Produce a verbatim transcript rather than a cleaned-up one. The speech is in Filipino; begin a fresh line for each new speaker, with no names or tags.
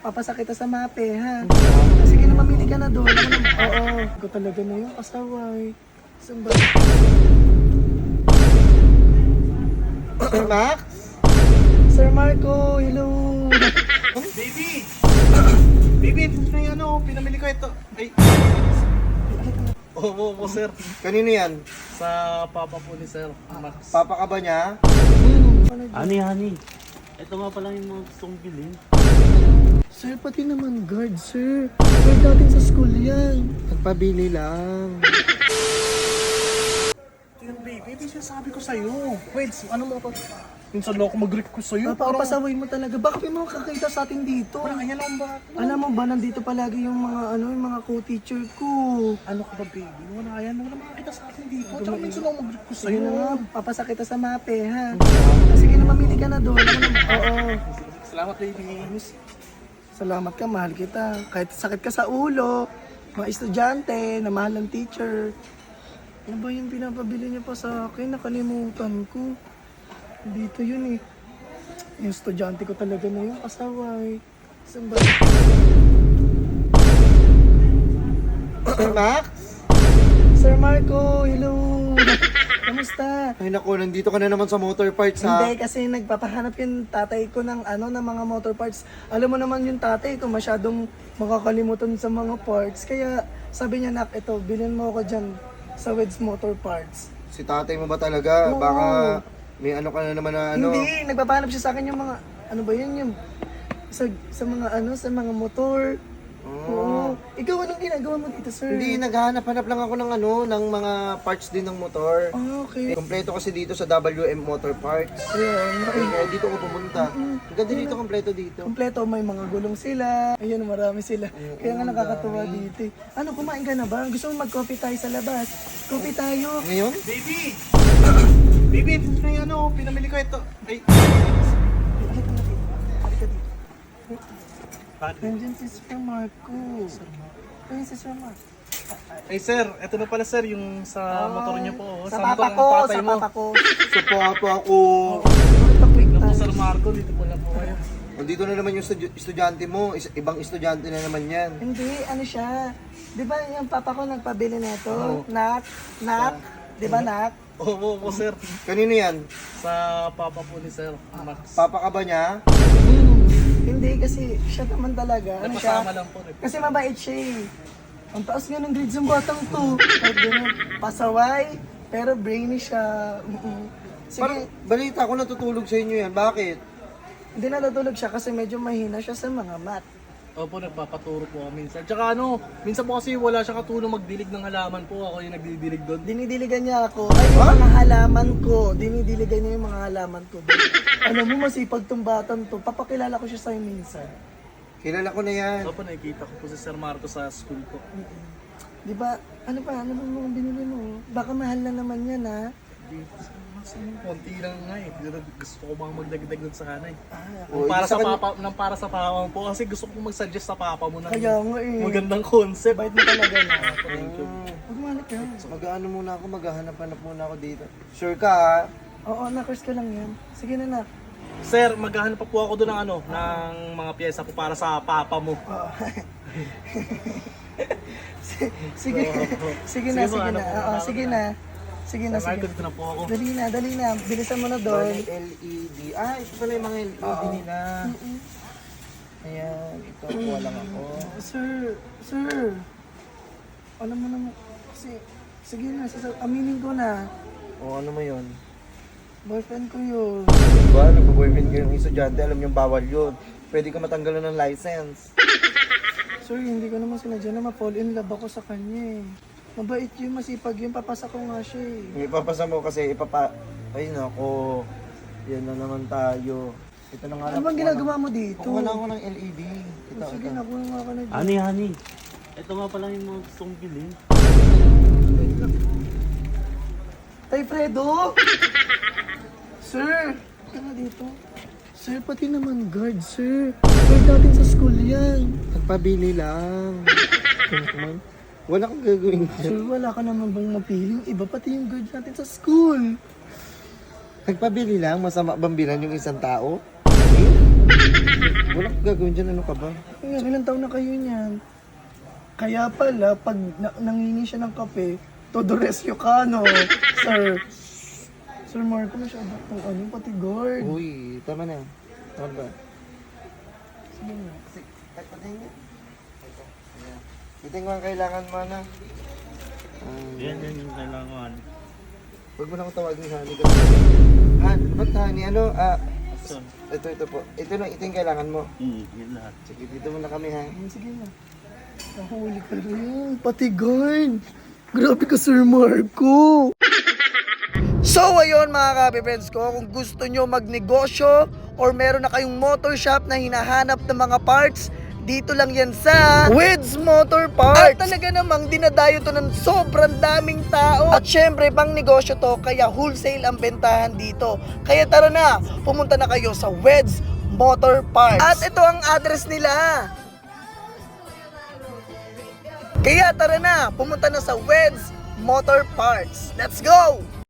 papasa kita sa mape, ha? Sige na, mamili ka na doon. Ako na, oo. Ikaw talaga na yung asaway. Saan ba?
Sir Max?
Sir Marco, hello.
Baby! Baby, ito na yung ano, pinamili ko ito. Ay. Oo, oo, oo, sir. Kanino yan? Sa papa po ni Sir Max. Papa ka ba niya?
Ani, ani. Ito nga pala yung mga gustong bilhin.
Sir, pati naman guard, sir. Guard natin sa school yan.
Nagpabili lang. Tingnan baby, ito yung sabi ko sa'yo. Wait, ano mo pa? Minsan lang ako mag-request sa'yo.
Papapasaway mo talaga. Bakit may mga kakita sa atin dito?
Parang kanya lang ba?
Alam mo ba, nandito palagi yung mga ano, yung mga co-teacher ko.
Ano ka ba baby? Wala yan. Wala makakita sa atin dito. Tsaka minsan lang ako mag-request
Ayun
sa'yo.
na nga, papasa kita sa mape, ha? Sige na, mamili ka na doon. Ako na, oo.
Salamat baby.
Salamat ka, mahal kita. Kahit sakit ka sa ulo, mga estudyante, na mahal ng teacher. Ano ba yung pinapabili niya pa sa akin? Nakalimutan ko. Dito yun eh. Yung estudyante ko talaga na yung asaway. Saan ba?
Sir Max?
Sir Marco, hello! Kamusta?
Ay naku, nandito ka na naman sa motor parts ha.
Hindi, kasi nagpapahanap yung tatay ko ng ano, ng mga motor parts. Alam mo naman yung tatay ko, masyadong makakalimutan sa mga parts. Kaya sabi niya, nak, ito, bilhin mo ako dyan sa Wed's Motor Parts.
Si tatay mo ba talaga?
Oo.
Baka may ano ka na naman na ano.
Hindi, nagpapahanap siya sa akin yung mga, ano ba yun, yung sa, sa mga ano, sa mga motor. Oo. Ikaw, anong ginagawa mo dito, sir?
Hindi, naghahanap-hanap lang ako ng ano, ng mga parts din ng motor.
Ah, okay.
Kompleto kasi dito sa W M Motor Parts.
Ayun,
Ay, kaya dito ko pumunta. Ang ganda dito, kompleto dito.
kompleto, may mga gulong sila. Ayun, marami sila. Kaya nga nakakatuwa dito. eh. Ano, kumain ka na ba? Gusto mo mag-coffee tayo sa labas? Coffee tayo.
Ngayon? Baby! Baby, ito na yung ano, pinamili ko ito. Ay.
Nandiyan si Sir Marco. Ayun si Sir Marco.
Ay sir, ito na pala sir, yung sa motor niyo po. oh.
Sa
motor
papa
ng
ko,
tatay
sa
mo.
papa ko.
Sa papa ko.
Ito, quick
Ito po
time.
Sir Marco, dito po na po kayo. Nandito na naman yung estu- estudyante mo, Is- ibang estudyante na naman yan.
Hindi, ano siya. Di ba yung papa ko nagpabili nito?
Oo.
Nak, nak. Di ba, nak?
Oo, oo, oo, sir. Kanino yan? Sa papa po ni Sir Max. Papa ka ba niya?
Hindi, kasi siya naman talaga. Ano siya?
Napasama lang po. eh.
Kasi mabait siya eh. Ang taas nga ng grades ng batang to. Kahit ganun, pasaway, pero brainy siya. Mm-mm.
Parang
Sige,
balita ko natutulog sa inyo yan. Bakit?
hindi natutulog siya kasi medyo mahina siya sa mga math.
Opo, nagpapaturo po ako minsan. Tsaka ano, minsan po kasi wala siya katulong magdilig ng halaman po. Ako yung nagdidilig doon.
Dinidiligan niya ako. Ay, yung mga halaman ko. Dinidiligan niya yung mga halaman ko. Alam mo, masipag tong batang to. Papakilala ko siya sa'yo minsan.
Kilala ko na yan.
Opo, nakikita ko po si Sir Marco sa school ko.
Di ba? Ano pa? Ano ba mga binili mo? Baka mahal na naman yan, ha?
Konti lang nga eh. Gusto ko bang magdagdag doon sa kanay.
Ah,
O,
Nang para
ibig
sa
sabihin-
papa, nang para sa papa mo po kasi gusto ko mag-suggest sa papa mo ng
kaya nga eh.
magandang concept.
Bait mo talaga na.
Thank you.
Huwag mahanap yan.
Mag-ano muna ako, maghahanap-hanap muna ako dito. Sure ka ha?
Oo, nakers ka lang yan. Sige na, nak.
Sir, maghahanap pa po ako doon ng ano, ng mga pyesa po para sa papa mo.
Oo. sige, sige na,
Sige po,
sige
ano
na.
po,
Oo,
ano
sige
po.
na. Sige na,
Sir Marco,
sige.
dito na po ako.
Dali na, dali na. Bilisan mo na
Doon
doon.
yung L E D. Ah, ito pala yung mga L E D
Oo.
nila. Ayan, ito, kuha lang ako.
Sir, sir. Alam mo naman, kasi, sige na, sasa- aminin ko na.
O, ano mo yun?
Boyfriend ko yun.
Diba, nagpo-boyfriend ko yung estudyante, alam niyong bawal yun. Pwede ka matanggalan ng license.
Sir, hindi ko naman sinadya na ma-fall in love ako sa kanya eh. Mabait yun, masipag yun, papasa ko nga siya eh.
Ipapasa mo kasi ipapa... Ay nako, yan na naman tayo. Ito na nga
Ano bang ginagawa mo dito?
Kuha na ako ng L E D. Ito,
Sige,
ito.
nakuha nga ka na dyan.
Ani, ani. Ito nga pala yung mga gustong bilhin.
Tay Fredo! Sir! Ito na dito. Sir, pati naman guard, sir. Guard natin sa school yan.
Nagpabili lang. Wala kang gagawin dyan.
Sir, wala ka naman bang mapiling iba, pati yung guard natin sa school.
Nagpabili lang, masama bang bilan yung isang tao? Wala kang gagawin dyan, ano ka ba?
Ngayon, ilang taon na kayo niyan? Kaya pala, pag na- nangingi siya ng kape, todo rescue ka, no? Sir. Sir Marco, masyado kung ano, pati guard.
Uy, tama na. Tama ba?
Sige na.
Kahit patayin niya. Ito yung mga kailangan mo na. Ah,
Yan, yan yung kailangan.
Huwag mo na akong tawagin honey kasi. Han, ba't honey? Ano? Ah,
So,
ito, ito po. Ito lang, ito yung kailangan mo.
hmm, yun lahat.
Sige, dito muna kami ha.
Hmm, sige na. Nahuli ka rin. Pati guard. Grabe ka, Sir Marco. So ayun mga kape friends ko, kung gusto nyo magnegosyo or meron na kayong motor shop na hinahanap ng mga parts, dito lang yan sa Wids Motor Parts. At talaga namang dinadayo to ng sobrang daming tao. At syempre pang negosyo to, kaya wholesale ang bentahan dito. Kaya tara na, pumunta na kayo sa Wids Motor Parts. At ito ang address nila. Kaya tara na, pumunta na sa Wids Motor Parts. Let's go!